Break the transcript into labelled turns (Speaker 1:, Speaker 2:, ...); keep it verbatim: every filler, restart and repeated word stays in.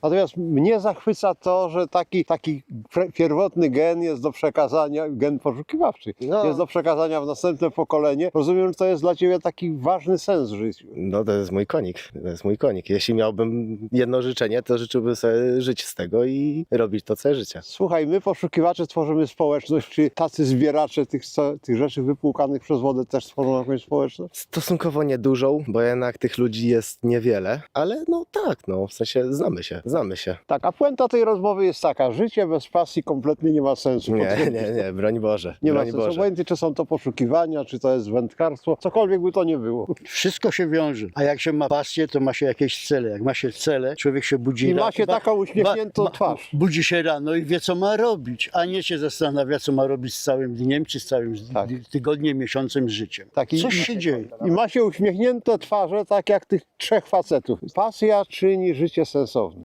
Speaker 1: Natomiast mnie zachwyca to, że taki, taki pierwotny gen jest do przekazania, gen poszukiwawczy,
Speaker 2: No.
Speaker 1: jest do przekazania w następne pokolenie. Rozumiem, że to jest dla ciebie taki ważny sens w życiu.
Speaker 2: No to jest mój konik, to jest mój konik. Jeśli miałbym jedno życzenie, to życzyłbym sobie żyć z tego i robić to całe życie.
Speaker 1: Słuchaj, my poszukiwacze tworzymy społeczność, czy tacy zbieracze tych, co- tych rzeczy wypłukanych przez wodę też tworzą jakąś społeczność?
Speaker 2: Stosunkowo niedużą, bo jednak tych ludzi jest niewiele, ale no tak, no w sensie znamy się, znamy się.
Speaker 1: Tak, a puenta tej rozmowy jest taka, życie bez pasji kompletnie nie ma sensu.
Speaker 2: Nie,
Speaker 1: Potwierdzisz
Speaker 2: nie,
Speaker 1: to?
Speaker 2: nie, broń Boże,
Speaker 1: Nie ma
Speaker 2: broń
Speaker 1: sensu,
Speaker 2: Boże.
Speaker 1: obojętnie czy są to poszukiwania, czy to jest wędkarstwo, cokolwiek by to nie było.
Speaker 3: Wszystko się wiąże. A jak się ma pasję, to ma się jakieś cele. Jak ma się cele, człowiek się budzi
Speaker 1: I
Speaker 3: ra-
Speaker 1: ma się
Speaker 3: ba-
Speaker 1: taką uśmiechniętą
Speaker 3: ba-
Speaker 1: twarz.
Speaker 3: Budzi się rano i wie, co ma robić, a nie się zastanawia, co ma robić z całym dniem, czy z całym
Speaker 1: Tak.
Speaker 3: tygodniem, miesiącem, życiem.
Speaker 1: Tak, i-
Speaker 3: Coś się dzieje.
Speaker 1: I ma się uśmiechnięte twarze, tak jak tych trzech facetów. Pasja czyni życie sensowne.